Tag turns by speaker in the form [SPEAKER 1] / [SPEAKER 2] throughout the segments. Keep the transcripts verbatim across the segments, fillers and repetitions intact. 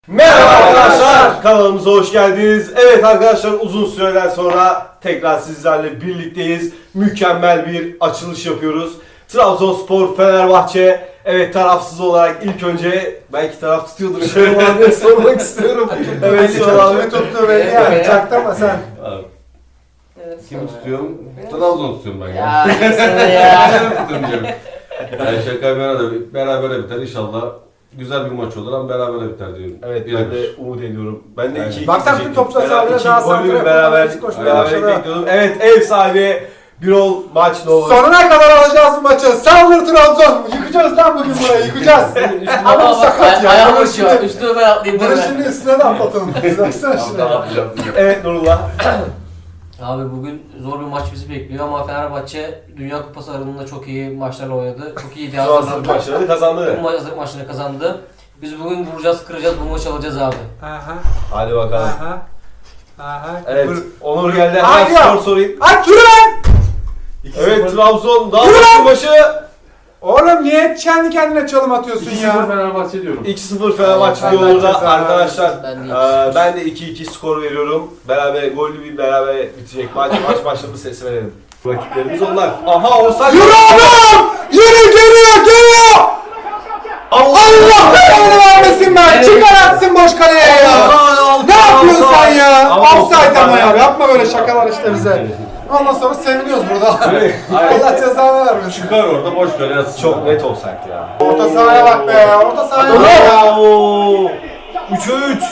[SPEAKER 1] Merhaba arkadaşlar, kanalımıza hoş geldiniz. Evet arkadaşlar, uzun süreden sonra tekrar sizlerle birlikteyiz. Mükemmel bir açılış yapıyoruz. Trabzonspor, Fenerbahçe. Evet, tarafsız olarak ilk önce belki taraf tutuyordur. Şöyle abiye sormak istiyorum. Evet, Şöyle abi tuttu beni yani. Çaktırma sen.
[SPEAKER 2] Kimi tutuyorum? Trabzon tutuyorum ben ya.
[SPEAKER 3] Ya sana ya.
[SPEAKER 2] Ben tutuyorum diyorum. Yani şaka bir arada berabere biter inşallah. Güzel bir maç olur ama berabere biter diyorum.
[SPEAKER 1] Evet,
[SPEAKER 2] Bir
[SPEAKER 1] ben de
[SPEAKER 2] bir.
[SPEAKER 1] umut ediyorum. Ben de
[SPEAKER 2] Aynen.
[SPEAKER 1] iki iki
[SPEAKER 4] Bak sen
[SPEAKER 1] diyecektim.
[SPEAKER 4] topla
[SPEAKER 1] Beraber
[SPEAKER 4] sahada
[SPEAKER 1] iki
[SPEAKER 4] daha
[SPEAKER 1] golü
[SPEAKER 4] santrafor
[SPEAKER 1] beraber
[SPEAKER 4] yapalım, koşmaya
[SPEAKER 1] beraber
[SPEAKER 4] başladı.
[SPEAKER 1] bekliyordum. Evet, ev sahibi bir ol maç ne olur.
[SPEAKER 4] Sonuna kadar alacağız bu maçı. Saldır Trabzon. Yıkacağız lan bugün burayı. Yıkacağız. Ama sakat ya.
[SPEAKER 3] Ayağım
[SPEAKER 4] Bunu
[SPEAKER 3] uçuyor.
[SPEAKER 4] şimdi,
[SPEAKER 3] Üstüme ben atlayayım
[SPEAKER 4] bunu
[SPEAKER 3] deme.
[SPEAKER 4] şimdi üstüne de atlatalım. Baksana şuraya.
[SPEAKER 1] Evet Nurullah.
[SPEAKER 3] Abi bugün zor bir maç bizi bekliyor ama Fenerbahçe Dünya Kupası aralığında çok iyi maçlarla oynadı. Çok iyi diye
[SPEAKER 1] Hazırlık
[SPEAKER 3] hazırlandı.
[SPEAKER 1] maçlarını kazandı.
[SPEAKER 3] Bu hazırlık maçını kazandı. Biz bugün vuracağız, kıracağız, bu maçı alacağız abi.
[SPEAKER 4] Aha.
[SPEAKER 1] Hadi bakalım.
[SPEAKER 4] Aha. Aha.
[SPEAKER 1] Evet,
[SPEAKER 4] Dur.
[SPEAKER 1] Onur geldi.
[SPEAKER 4] Hadi
[SPEAKER 1] Hemen
[SPEAKER 4] ya.
[SPEAKER 1] skor sorayım.
[SPEAKER 4] Aç yürü lan.
[SPEAKER 1] Evet, Trabzon daha
[SPEAKER 4] Yürü
[SPEAKER 1] başlı
[SPEAKER 4] lan.
[SPEAKER 1] başı.
[SPEAKER 4] Oğlum niye kendi kendine çalım atıyorsun ya?
[SPEAKER 2] Fenerbahçe diyorum.
[SPEAKER 1] iki sıfır Fenerbahçe
[SPEAKER 4] Evet,
[SPEAKER 1] diyor orada
[SPEAKER 4] Fenerbahçe
[SPEAKER 1] arkadaşlar.
[SPEAKER 3] Ben de
[SPEAKER 1] eee, Ben de iki iki skor veriyorum. Beraber gollü bir beraber bitecek maç. Maç başladı, sesi verelim. Rakiplerimiz onlar. Aha, offside.
[SPEAKER 4] Yürü oğlum! Yürü geliyor geliyor!
[SPEAKER 1] Allah
[SPEAKER 4] Allah belanı vermesin ben! Çıkar atsın boş kaleye ya! Ne yapıyorsun sen ya? Offside ama ya. Yapma böyle şakalar işte bize. Ondan sonra seviniyoruz burada. Allah cezanı vermesin.
[SPEAKER 2] Çıkar orada boş kale yatsın.
[SPEAKER 1] Çok net offside ya.
[SPEAKER 4] Orta sahaya bak be. Orta sahaya bak ya.
[SPEAKER 1] Oo! üçe üç.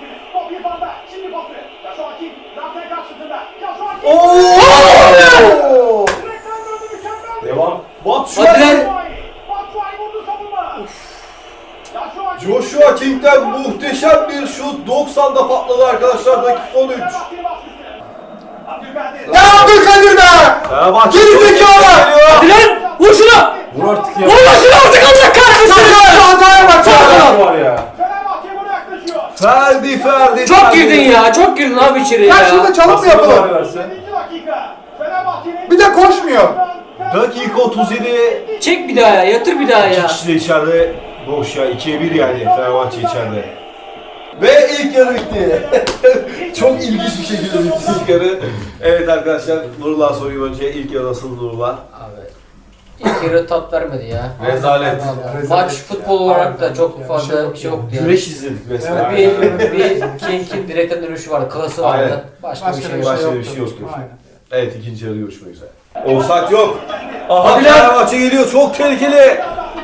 [SPEAKER 1] Oo! Devam. Batshuayi. Joshua King'den muhteşem bir şut. doksanda patladı arkadaşlar. Dakika on üç.
[SPEAKER 4] Ya Abdülkadir be!
[SPEAKER 1] Fenerbahçe
[SPEAKER 4] Geri zekalı!
[SPEAKER 3] Hadi lan! Vur şunu!
[SPEAKER 2] Vur artık ya.
[SPEAKER 3] Vur lan şunu artık Allah kahretsin!
[SPEAKER 4] Şu hataya bak ya!
[SPEAKER 2] Var ya.
[SPEAKER 1] Ferdi Ferdi.
[SPEAKER 3] Çok
[SPEAKER 1] Ferdi.
[SPEAKER 3] girdin ya, çok girdin abi içeri
[SPEAKER 4] Ya
[SPEAKER 3] ya.
[SPEAKER 4] şurada çalım mı yapalım? Bir de koşmuyor.
[SPEAKER 1] Dakika otuz yedi.
[SPEAKER 3] Çek bir daha ya, yatır bir daha ya.
[SPEAKER 1] İki kişi de içeride. Boş ya. ikiye bir yani. Fenerbahçe içeride. Ve ilk yarı bitti. Çok ilginç bir şekilde bitti ilk yarı. Evet arkadaşlar, Nurullah soruyu önce. İlk yarı nasıl Nurullah?
[SPEAKER 3] Abi ilk yarı tat vermedi ya.
[SPEAKER 2] Rezalet.
[SPEAKER 3] Maç futbol olarak da çok fazla bir şey yoktu yani.
[SPEAKER 1] Güreş izledik resmen.
[SPEAKER 3] Bir, bir King'in direkten dönüşü vardı, klası vardı.
[SPEAKER 1] Aynen.
[SPEAKER 3] Başka,
[SPEAKER 4] Başka
[SPEAKER 3] bir şey
[SPEAKER 4] bir
[SPEAKER 3] yok.
[SPEAKER 4] şey
[SPEAKER 1] Başka bir
[SPEAKER 4] yoktu.
[SPEAKER 1] şey yoktu.
[SPEAKER 4] Aynen.
[SPEAKER 1] Evet, ikinci yarı görüşmek üzere. Offside yok. Aha,
[SPEAKER 3] Hadi lan.
[SPEAKER 1] Fenerbahçe geliyor, çok tehlikeli.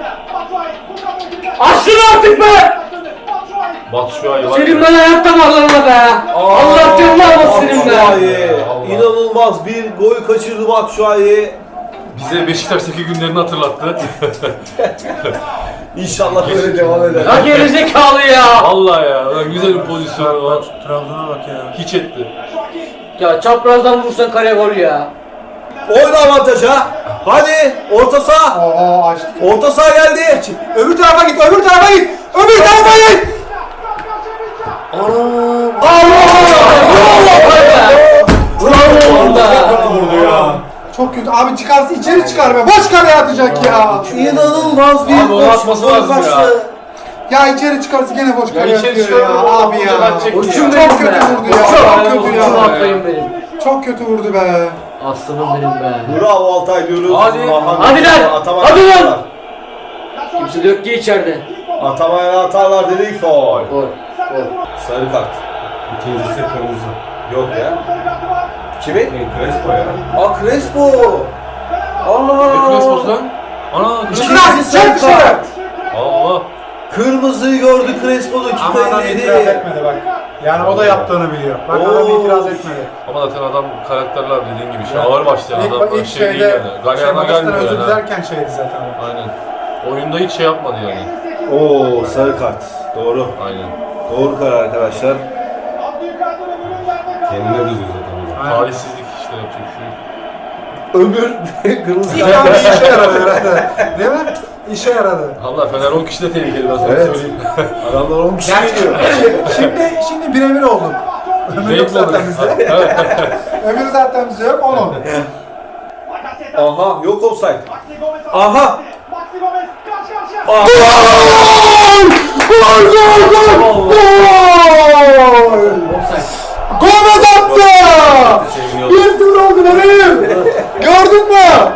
[SPEAKER 3] Açsın artık be!
[SPEAKER 2] Batshuayi var.
[SPEAKER 3] Senin ben ayakta bağlanma be! Allah canını almasın senin be!
[SPEAKER 1] Batshuayi. İnanılmaz bir gol kaçırdı Batshuayi.
[SPEAKER 2] Bize Beşiktaş'taki günlerini hatırlattı.
[SPEAKER 1] İnşallah böyle devam eder.
[SPEAKER 3] Ya gerizekalı ya!
[SPEAKER 2] Vallahi ya. Lan güzel bir pozisyonu var.
[SPEAKER 4] Trabzon'a bak ya.
[SPEAKER 2] Hiç etti.
[SPEAKER 3] Ya çaprazdan vursan kare gol ya!
[SPEAKER 1] Oyna avantaja. Hadi orta saha.
[SPEAKER 4] Oo açtı.
[SPEAKER 1] Orta saha geldi.
[SPEAKER 4] Öbür tarafa git, öbür tarafa git! Öbür tarafa git!
[SPEAKER 3] Bravo be!
[SPEAKER 1] Vurdu ya.
[SPEAKER 4] Çok kötü. Abi çıkarsın içeri çıkar be. Boş kaleye atacak ya.
[SPEAKER 1] İnanılmaz bir
[SPEAKER 2] Abi onu atması
[SPEAKER 1] gol
[SPEAKER 2] lazım ya.
[SPEAKER 1] kaçtı.
[SPEAKER 4] Ya içeri çıkarsa gene boş kaleye
[SPEAKER 2] içeri
[SPEAKER 4] atıyor
[SPEAKER 2] çıkar,
[SPEAKER 4] ya.
[SPEAKER 2] o-
[SPEAKER 4] Abi
[SPEAKER 2] o-
[SPEAKER 4] ya.
[SPEAKER 2] o- atacak
[SPEAKER 4] Çok
[SPEAKER 2] ya.
[SPEAKER 3] Uçum
[SPEAKER 4] kötü
[SPEAKER 3] benim be!
[SPEAKER 4] vurdu ya.
[SPEAKER 3] Uçum!
[SPEAKER 4] Çok kötü
[SPEAKER 3] Uçum
[SPEAKER 4] ya.
[SPEAKER 3] atlayın benim!
[SPEAKER 4] Çok kötü vurdu be.
[SPEAKER 3] Aslanım benim be!
[SPEAKER 1] Bravo Altay diyoruz.
[SPEAKER 2] Hadi.
[SPEAKER 1] Mahan-
[SPEAKER 3] Hadi lan!
[SPEAKER 1] Ataman
[SPEAKER 3] Hadi lan!
[SPEAKER 1] atarlar.
[SPEAKER 3] Kimse de yok ki içeride.
[SPEAKER 1] Ataman atarlar dedik, faul.
[SPEAKER 3] Gol. Gol.
[SPEAKER 1] Sarı kart.
[SPEAKER 2] İkincisi kırmızı.
[SPEAKER 1] Yok ya. Kimi?
[SPEAKER 2] Crespo ya.
[SPEAKER 1] Aa, Crespo.
[SPEAKER 2] Ne
[SPEAKER 1] Aa.
[SPEAKER 2] Crespo'su lan? Ana Crespo.
[SPEAKER 1] İkincisi sarı
[SPEAKER 4] Çek dışarı.
[SPEAKER 1] kart.
[SPEAKER 2] Allah.
[SPEAKER 1] Kırmızıyı gördü Crespo,
[SPEAKER 4] Ama
[SPEAKER 1] dakika
[SPEAKER 4] adam
[SPEAKER 1] elliydi.
[SPEAKER 4] itiraz etmedi bak. Yani o da yaptığını biliyor. Bak adam
[SPEAKER 1] Oo.
[SPEAKER 4] itiraz etmedi.
[SPEAKER 2] Ama zaten adam karakterler dediğin gibi şey ağır başlayan
[SPEAKER 4] İlk,
[SPEAKER 2] adam.
[SPEAKER 4] ilk
[SPEAKER 2] Şey değil
[SPEAKER 4] şeyde,
[SPEAKER 2] yani.
[SPEAKER 4] şey
[SPEAKER 2] Galyana
[SPEAKER 4] maçtan
[SPEAKER 2] gelmiyor
[SPEAKER 4] özür
[SPEAKER 2] yani.
[SPEAKER 4] dilerken şeydi zaten.
[SPEAKER 2] Aynen. Oyunda hiç şey yapmadı yani.
[SPEAKER 1] Oo, sarı kart. Doğru.
[SPEAKER 2] Aynen.
[SPEAKER 1] Doğru karar arkadaşlar.
[SPEAKER 2] Kendine kızıyor zaten.
[SPEAKER 4] Aynen.
[SPEAKER 2] Talihsizlik işte yapacak bir şey yok.
[SPEAKER 1] Öbür kırmızı
[SPEAKER 4] İlk
[SPEAKER 1] kart.
[SPEAKER 4] anda işe yaradı herhalde. Değil mi? İşe yaradı.
[SPEAKER 2] Allah Fener on kişi de tehlikeli ben sana
[SPEAKER 1] Evet.
[SPEAKER 2] söyleyeyim.
[SPEAKER 1] Adamlar on kişi
[SPEAKER 4] Gerçi
[SPEAKER 1] geliyor.
[SPEAKER 4] şimdi, şimdi birebir olduk. Ömür yok
[SPEAKER 2] Zevk olur.
[SPEAKER 4] zaten bizde. Ömür zaten bizde yok, onun.
[SPEAKER 1] Aha, yok offside. Aha.
[SPEAKER 4] Gol! Gol! Gol! Gol!
[SPEAKER 3] Offside.
[SPEAKER 4] Gomez attı! bir sıfır oldu bebeğim! Gördün mü?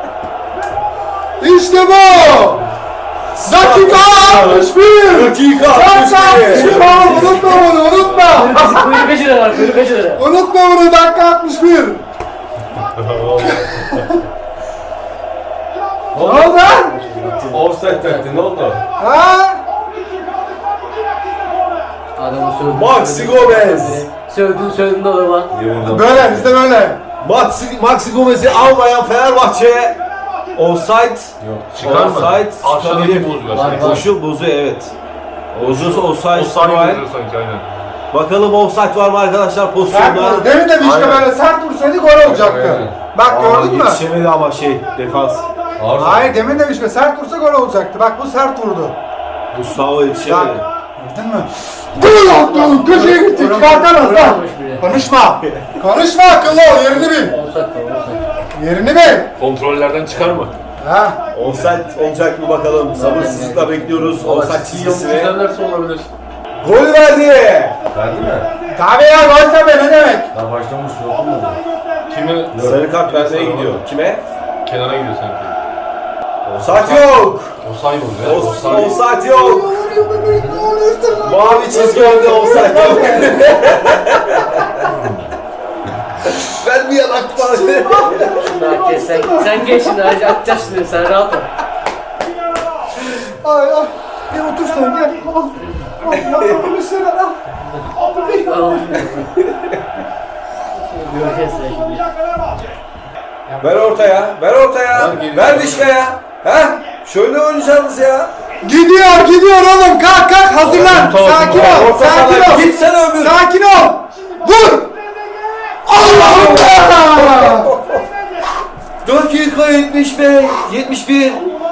[SPEAKER 4] İşte bu! Dakika altmış bir!
[SPEAKER 1] Dakika
[SPEAKER 4] Dakika altmış bir!
[SPEAKER 1] altmış bir.
[SPEAKER 4] Unutma bunu, unutma!
[SPEAKER 3] Kuyruğu beş lira var, kuyruğu beş lira.
[SPEAKER 4] Unutma bunu, dakika altmış bir! Ne oldu lan?
[SPEAKER 2] Offside taktı ne oldu?
[SPEAKER 4] Ha?
[SPEAKER 3] Adamı sövdün.
[SPEAKER 1] Maxi Gomez.
[SPEAKER 3] Sövdün sövdün de adama.
[SPEAKER 2] İyi vurdum.
[SPEAKER 4] Böyle, bizde böyle.
[SPEAKER 1] Maxi, Maxi Gomez'i almayan Fenerbahçe offside.
[SPEAKER 2] Yok.
[SPEAKER 5] Çıkar mı?
[SPEAKER 1] Offside
[SPEAKER 5] Aşağıdaki
[SPEAKER 1] çıkabilir.
[SPEAKER 5] bozuyor.
[SPEAKER 3] Var, var.
[SPEAKER 1] Koşu bozuyor evet. Bozuyorsa offside
[SPEAKER 5] O saniye
[SPEAKER 1] var.
[SPEAKER 5] bozuyor sanki aynen.
[SPEAKER 1] Bakalım offside var mı arkadaşlar
[SPEAKER 4] Sert
[SPEAKER 1] pozisyonda?
[SPEAKER 4] vurdu. Demin de işte
[SPEAKER 5] Aynen.
[SPEAKER 4] böyle sert vursaydı gol olacaktı.
[SPEAKER 2] Aynen.
[SPEAKER 4] Bak
[SPEAKER 1] Aa,
[SPEAKER 4] gördün mü?
[SPEAKER 1] yetişemedi ama şey defans.
[SPEAKER 2] Ağır.
[SPEAKER 4] Hayır demin de işte sert vursa gol olacaktı. Bak bu sert vurdu.
[SPEAKER 1] Gustavo yetişemedi.
[SPEAKER 4] Gördün mü? Gol attı. Köşeye gitti. Çıkartamaz lan.
[SPEAKER 3] Olmuş bile.
[SPEAKER 4] Konuşma. Konuşma akıllı ol. Yerini bil.
[SPEAKER 3] Offside var, offside.
[SPEAKER 4] Yerini bil.
[SPEAKER 5] Kontrollerden çıkar mı?
[SPEAKER 4] Ha.
[SPEAKER 1] Offside olacak mı bakalım. Sabırsızlıkla bekliyoruz offside çizgisini.
[SPEAKER 5] Düzenlerse olabilir.
[SPEAKER 1] Gol verdi.
[SPEAKER 2] Verdi mi?
[SPEAKER 4] Tabii ya gol tabii ne demek?
[SPEAKER 2] Daha başlamış yok mu?
[SPEAKER 5] Kime?
[SPEAKER 1] Sarı kart vermeye gidiyor. Kime?
[SPEAKER 5] Kenara gidiyor sanki.
[SPEAKER 1] Offside yok.
[SPEAKER 5] O saymıyor ya.
[SPEAKER 1] Offside offside yok. Mavi çizgi önde offside yok. Vermeyen akbar.
[SPEAKER 3] Daha kes sen. Sen geç şimdi hadi atacağız şimdi sen rahat ol.
[SPEAKER 4] Ay ay. Gel otur sen gel. Al. Al ya bir şeyler al.
[SPEAKER 3] Göreceğiz sen şimdi.
[SPEAKER 1] Ver ortaya. Ver ortaya.
[SPEAKER 5] Ver geri.
[SPEAKER 1] Ver dişkaya. He? Şöyle oynayacaksınız ya.
[SPEAKER 4] Gidiyor gidiyor oğlum kalk kalk hazırlan.
[SPEAKER 5] Tamam,
[SPEAKER 4] Sakin
[SPEAKER 5] tamam.
[SPEAKER 4] ol.
[SPEAKER 1] Orta
[SPEAKER 4] Sakin
[SPEAKER 1] sahaya
[SPEAKER 4] ol.
[SPEAKER 1] gitsene öbür.
[SPEAKER 4] Sakin ol. Vur. Allah'ım ya.
[SPEAKER 1] Dakika yetmiş beş. yetmiş bir.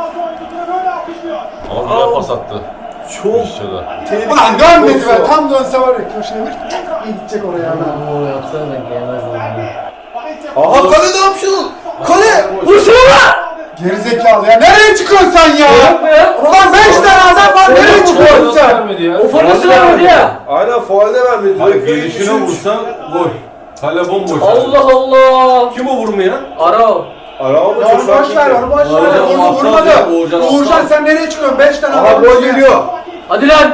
[SPEAKER 5] Ama güzel pas attı.
[SPEAKER 1] Çok
[SPEAKER 5] Dışarıda.
[SPEAKER 4] Ulan dönmedi be. Tam dönse var ya köşeye bir gidecek oraya.
[SPEAKER 3] Oo yapsana da gelmez lan.
[SPEAKER 1] Aha kale ne yapıyorsun? Kale! Vursana lan!
[SPEAKER 4] Gerizekalı ya. Nereye çıkıyorsun sen ya?
[SPEAKER 3] Yapma ya.
[SPEAKER 4] Ulan beş tane adam var. Nereye çıkıyorsun
[SPEAKER 5] Nasıl
[SPEAKER 4] sen?
[SPEAKER 5] vermedi ya?
[SPEAKER 3] O forması vermedi ya.
[SPEAKER 1] Aynen faalde vermedi.
[SPEAKER 2] Hayır
[SPEAKER 1] Dakika
[SPEAKER 2] gelişine
[SPEAKER 1] yetmiş üç.
[SPEAKER 2] vursa gol. Kale bomboş.
[SPEAKER 3] Allah Allah.
[SPEAKER 2] Kim o vurmayan?
[SPEAKER 3] Ara o.
[SPEAKER 1] Araba mı
[SPEAKER 4] Ya onu boş ver, onu boş ver.
[SPEAKER 2] Uğurcan
[SPEAKER 4] Onu
[SPEAKER 2] aptal
[SPEAKER 4] vurmadı.
[SPEAKER 2] ya, Uğurcan aptal.
[SPEAKER 4] Uğurcan sen nereye çıkıyorsun? Beş tane
[SPEAKER 1] Aha
[SPEAKER 4] adam
[SPEAKER 1] gol
[SPEAKER 4] içine.
[SPEAKER 1] geliyor.
[SPEAKER 3] Hadi lan.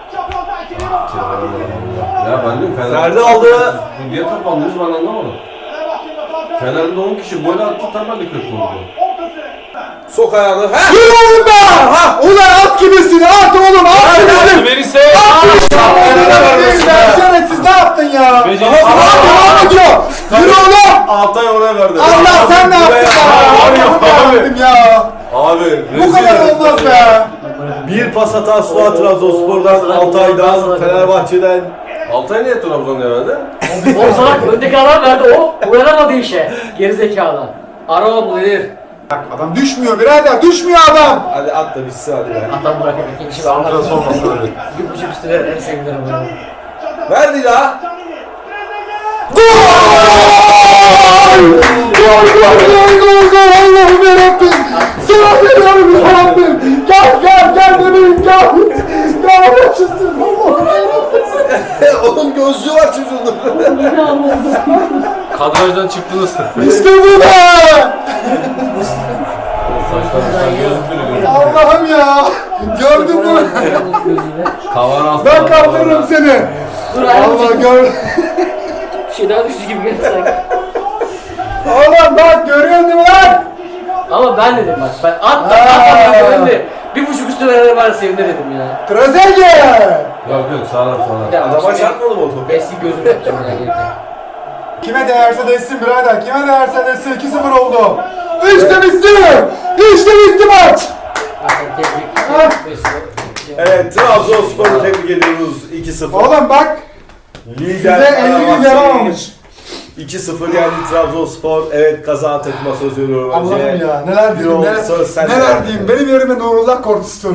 [SPEAKER 2] Ya ben diyorum Fener.
[SPEAKER 1] Ferdi aldı.
[SPEAKER 2] Bu niye toplandınız ben anlamadım. Fener'de on kişi gol attı tamam da kötü oldu.
[SPEAKER 1] Sok ayağını. He?
[SPEAKER 4] Yürü oğlum be! Ha! Ulan at gibisin, at oğlum, at gibisin!
[SPEAKER 5] Verirse.
[SPEAKER 4] Şerefsiz ne yaptın ya?
[SPEAKER 5] Beceri-
[SPEAKER 4] Aha devam ediyor! Yürü oğlum!
[SPEAKER 2] Altay oraya verdi.
[SPEAKER 4] Allah sen ne yaptın ya?
[SPEAKER 5] Abi,
[SPEAKER 4] Ne yaptın ya?
[SPEAKER 2] Abi
[SPEAKER 4] Bu kadar
[SPEAKER 2] rezil.
[SPEAKER 4] olmaz be!
[SPEAKER 1] Bir pas hatası var Trabzonspor'dan, Altay'dan, Fenerbahçe'den.
[SPEAKER 2] Altay niye Trabzon'a verdi?
[SPEAKER 3] O salak öndeki adam verdi o. Uyanamadı işe. Gerizekalı. Ara o bu nedir?
[SPEAKER 4] Bak adam düşmüyor birader, düşmüyor adam!
[SPEAKER 1] Hadi at da bitsin hadi be.
[SPEAKER 3] Adam bırakıp ikinci bir
[SPEAKER 5] Santra
[SPEAKER 3] anlatır.
[SPEAKER 5] sormasın öyle.
[SPEAKER 3] Bir buçuk üstüne en sevinirim bunu.
[SPEAKER 1] Verdi la.
[SPEAKER 4] Gol! Gol, gol, gol, gol, gol! Allah'ım yarabbim! Sana veriyorum yarabbim! Gel, gel, gel bebeğim, gel! Gel, başlasın! Allah'ım yarabbim!
[SPEAKER 1] Oğlum gözlüğü var çocuğun.
[SPEAKER 5] Kadrajdan çıktınız.
[SPEAKER 4] İşte bu be!
[SPEAKER 2] Saçlar gözüktürüyor.
[SPEAKER 4] Allah'ım ya! Gördün mü?
[SPEAKER 2] Tavan astı.
[SPEAKER 4] Ben kaldırırım seni!
[SPEAKER 3] Dur
[SPEAKER 4] Allah
[SPEAKER 3] ayağım
[SPEAKER 4] gör...
[SPEAKER 3] bir şey daha düştü gibi geldi sanki.
[SPEAKER 4] Oğlum bak görüyorsun değil mi lan?
[SPEAKER 3] Ama ben dedim bak ben at da
[SPEAKER 4] Aa.
[SPEAKER 3] at da ben de bir buçuk üstüne verenler var sevinir dedim ya.
[SPEAKER 4] Trezeguet!
[SPEAKER 2] Yok yok sağlam
[SPEAKER 3] Bir
[SPEAKER 2] sağlam.
[SPEAKER 3] daha
[SPEAKER 1] Adama
[SPEAKER 3] bak,
[SPEAKER 1] çarpmadı mı o topu?
[SPEAKER 3] eski gözüm yapacağım ya gelirken.
[SPEAKER 4] Kime değerse değsin birader, kime değerse değsin iki sıfır oldu. İşte bitti! İşte bitti maç!
[SPEAKER 3] Zaten tebrik.
[SPEAKER 4] Ah.
[SPEAKER 1] Evet Trabzonspor'u tebrik ediyoruz iki sıfır.
[SPEAKER 4] Oğlum bak,
[SPEAKER 1] Lider
[SPEAKER 4] size elli gün
[SPEAKER 1] Fenerbahçe
[SPEAKER 4] yaramamış.
[SPEAKER 1] iki sıfır yendi Trabzonspor. Evet kazanan takıma söz veriyorum önce.
[SPEAKER 4] Allah'ım ya, neler diyeyim,
[SPEAKER 1] Yok,
[SPEAKER 4] neler,
[SPEAKER 1] söz sende.
[SPEAKER 4] neler diyeyim. Benim yerime Nurullah konuşsun.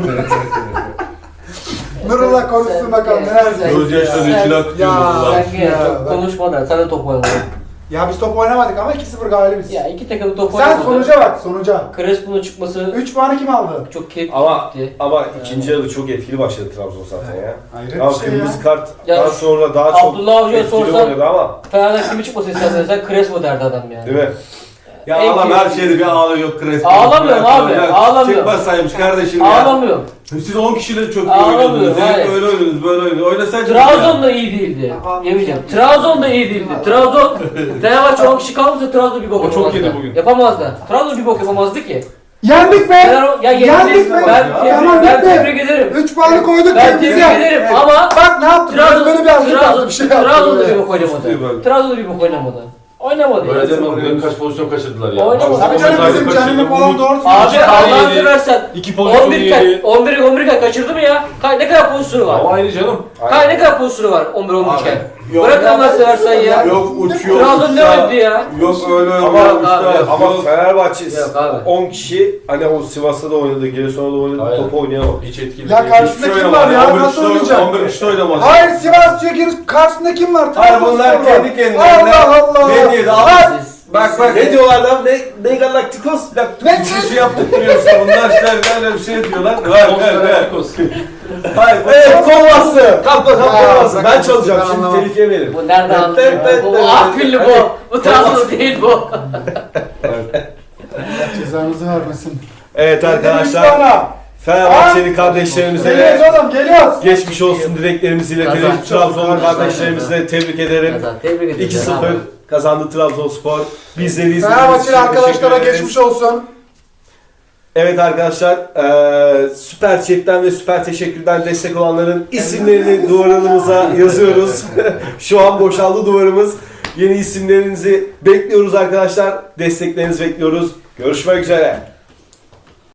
[SPEAKER 4] Nurullah konuşsun bakalım neler diyeyim.
[SPEAKER 2] Gözyaşları içine akıtıyor
[SPEAKER 4] Ya.
[SPEAKER 2] bunlar.
[SPEAKER 3] Sen gel
[SPEAKER 4] Ya,
[SPEAKER 3] çok
[SPEAKER 4] bak.
[SPEAKER 3] konuşma da sen de top oynadın.
[SPEAKER 4] Ya biz top oynamadık ama iki sıfır galibiz.
[SPEAKER 3] Ya iki takım top
[SPEAKER 4] Sen
[SPEAKER 3] oynamadı.
[SPEAKER 4] sonuca bak sonuca.
[SPEAKER 3] Crespo'nun çıkması
[SPEAKER 4] üç puanı kim aldı?
[SPEAKER 3] çok keyifli
[SPEAKER 1] Ama
[SPEAKER 3] gitti.
[SPEAKER 1] ama ikinci yarı çok etkili başladı Trabzon zaten ya.
[SPEAKER 4] Hayret
[SPEAKER 1] Ama
[SPEAKER 4] bir şey
[SPEAKER 1] kırmızı
[SPEAKER 4] ya.
[SPEAKER 1] karttan
[SPEAKER 3] Ya,
[SPEAKER 1] sonra daha çok
[SPEAKER 3] Abdullah Hoca'ya
[SPEAKER 1] etkili
[SPEAKER 3] sorsan-
[SPEAKER 1] oynadı ama
[SPEAKER 3] Fener'den kimi çıkması istersen sen Crespo derdi adam yani.
[SPEAKER 1] değil mi?
[SPEAKER 2] Ya
[SPEAKER 3] En
[SPEAKER 2] adam her
[SPEAKER 3] keyifli-
[SPEAKER 2] şeyde bir ağlıyor Crespo.
[SPEAKER 3] Ağlamıyorum abi, ağlamıyorum.
[SPEAKER 2] Çıkmasaymış kardeşim ya.
[SPEAKER 3] Ağlamıyorum.
[SPEAKER 2] Siz on kişiyle çok iyi
[SPEAKER 3] Ağlamıyorum,
[SPEAKER 2] oynuyordunuz.
[SPEAKER 3] hayır.
[SPEAKER 2] Hep öyle oynuyordunuz, böyle oynuyordunuz. Oynasaydınız
[SPEAKER 3] Trabzon da iyi değildi. Yemeyeceğim. Trabzon da iyi değildi. Trabzon, Fenerbahçe on kişi kalmışsa Trabzon bir bok
[SPEAKER 5] O çok
[SPEAKER 3] yapamazdı.
[SPEAKER 5] yedi bugün.
[SPEAKER 3] Yapamazdı. Trabzon bir bok yapamazdı ki.
[SPEAKER 4] Yendik be!
[SPEAKER 3] Fener, ya
[SPEAKER 4] Yendik
[SPEAKER 3] yendik.
[SPEAKER 4] be!
[SPEAKER 3] Ben,
[SPEAKER 4] Tamam,
[SPEAKER 3] tebrik, ben
[SPEAKER 4] bitti.
[SPEAKER 3] tebrik ederim.
[SPEAKER 4] üç puanı koyduk
[SPEAKER 3] Ben
[SPEAKER 4] kendimize.
[SPEAKER 3] tebrik ederim ama
[SPEAKER 4] Bak ne yaptık?
[SPEAKER 3] Trabzon,
[SPEAKER 4] Böyle bir hazırlık
[SPEAKER 3] Trabzon,
[SPEAKER 4] yaptık, bir şey yaptık.
[SPEAKER 3] Trabzon da bir
[SPEAKER 4] böyle.
[SPEAKER 3] bok oynamadı.
[SPEAKER 2] Tutuyor.
[SPEAKER 3] Trabzon da bir bok oynamadı. Oynamadı.
[SPEAKER 5] Öyle
[SPEAKER 3] ya.
[SPEAKER 5] deme bugün kaç pozisyon kaçırdılar ya.
[SPEAKER 3] Oynamadı.
[SPEAKER 4] Tabii canım
[SPEAKER 5] Zaten
[SPEAKER 4] bizim
[SPEAKER 5] kaçırdı,
[SPEAKER 4] canını falan
[SPEAKER 5] Umut-
[SPEAKER 4] doğru
[SPEAKER 3] Abi
[SPEAKER 4] söylüyor.
[SPEAKER 3] Allah'ını
[SPEAKER 5] yedi.
[SPEAKER 3] seversen
[SPEAKER 5] İki pozisyon
[SPEAKER 3] on bir kay,
[SPEAKER 5] yedi.
[SPEAKER 3] on bir on bir kay kaçırdı mı ya? Kay, ne kadar pozisyonu var?
[SPEAKER 5] Ama aynı canım.
[SPEAKER 3] Kay ne kadar pozisyonu var on bir on bir kay?
[SPEAKER 1] yok.
[SPEAKER 3] Bırak Allah'ını seversen ya.
[SPEAKER 2] Yok uçuyor.
[SPEAKER 3] Trabzon ne
[SPEAKER 2] uçsa-
[SPEAKER 3] öldü ya?
[SPEAKER 2] Yok öyle öyle.
[SPEAKER 1] Ama,
[SPEAKER 2] yok,
[SPEAKER 3] abi,
[SPEAKER 2] işte,
[SPEAKER 1] ama
[SPEAKER 2] yok.
[SPEAKER 1] Fenerbahçe
[SPEAKER 3] Yok abi.
[SPEAKER 1] on kişi hani o Sivas'ta da oynadı, Giresun'da da oynadı,
[SPEAKER 5] Aynen.
[SPEAKER 1] topu oynayamadı.
[SPEAKER 5] Hiç etkili
[SPEAKER 4] Ya
[SPEAKER 5] değil.
[SPEAKER 4] karşısında
[SPEAKER 2] Hiç
[SPEAKER 4] kim var ya?
[SPEAKER 2] oynamadı.
[SPEAKER 4] Nasıl
[SPEAKER 2] on bir
[SPEAKER 4] oynayacak?
[SPEAKER 2] on bir kişi oynamadı.
[SPEAKER 4] Hayır Sivas diyor ki karşısında kim var?
[SPEAKER 2] Hayır,
[SPEAKER 4] Trabzonspor
[SPEAKER 2] bunlar
[SPEAKER 4] var.
[SPEAKER 2] kendi kendilerine
[SPEAKER 4] Allah Allah.
[SPEAKER 2] medya da-
[SPEAKER 4] Bak,
[SPEAKER 3] Siz-
[SPEAKER 2] Bak bak
[SPEAKER 1] Ne diyorlar lan? Ne, ne galaktikos?
[SPEAKER 4] Ne?
[SPEAKER 2] Bir şey yaptırıyorsa bunlar işte böyle bir şey diyorlar. Ver ver ver.
[SPEAKER 1] Hayır, evet kolbası. Kapla kapla
[SPEAKER 4] Ya,
[SPEAKER 1] kolbası. Ben
[SPEAKER 4] sakın
[SPEAKER 1] çalacağım
[SPEAKER 4] ben
[SPEAKER 1] şimdi
[SPEAKER 4] anlamam.
[SPEAKER 1] tehlikeye verin.
[SPEAKER 3] Bu nereden
[SPEAKER 1] Evet,
[SPEAKER 3] anladın?
[SPEAKER 1] evet, evet,
[SPEAKER 3] Bu
[SPEAKER 1] evet,
[SPEAKER 3] Afilli
[SPEAKER 1] evet.
[SPEAKER 3] bu. Bu Trabzon değil bu.
[SPEAKER 4] Cezanızı vermesin.
[SPEAKER 1] Evet
[SPEAKER 4] Üç
[SPEAKER 1] arkadaşlar,
[SPEAKER 4] puana.
[SPEAKER 1] Fenerbahçeli kardeşlerimize
[SPEAKER 4] Geliyoruz
[SPEAKER 1] de
[SPEAKER 4] oğlum geliyoruz.
[SPEAKER 1] geçmiş olsun dileklerimizi iletelim.
[SPEAKER 3] Kazan.
[SPEAKER 1] Trabzonlu
[SPEAKER 3] Kazan.
[SPEAKER 1] kardeşlerimizi de tebrik ederim.
[SPEAKER 3] Kazan, tebrik ederim.
[SPEAKER 1] iki sıfır kazandı Trabzonspor. Bizleri izlediğiniz için
[SPEAKER 4] Fenerbahçeli arkadaşlara
[SPEAKER 1] teşekkür ederiz.
[SPEAKER 4] geçmiş olsun.
[SPEAKER 1] Evet arkadaşlar, eee Süper Chat'ten ve Süper Teşekkür'den destek olanların isimlerini duvarımıza yazıyoruz. Şu an boşaldı duvarımız. Yeni isimlerinizi bekliyoruz arkadaşlar. Desteklerinizi bekliyoruz. Görüşmek üzere.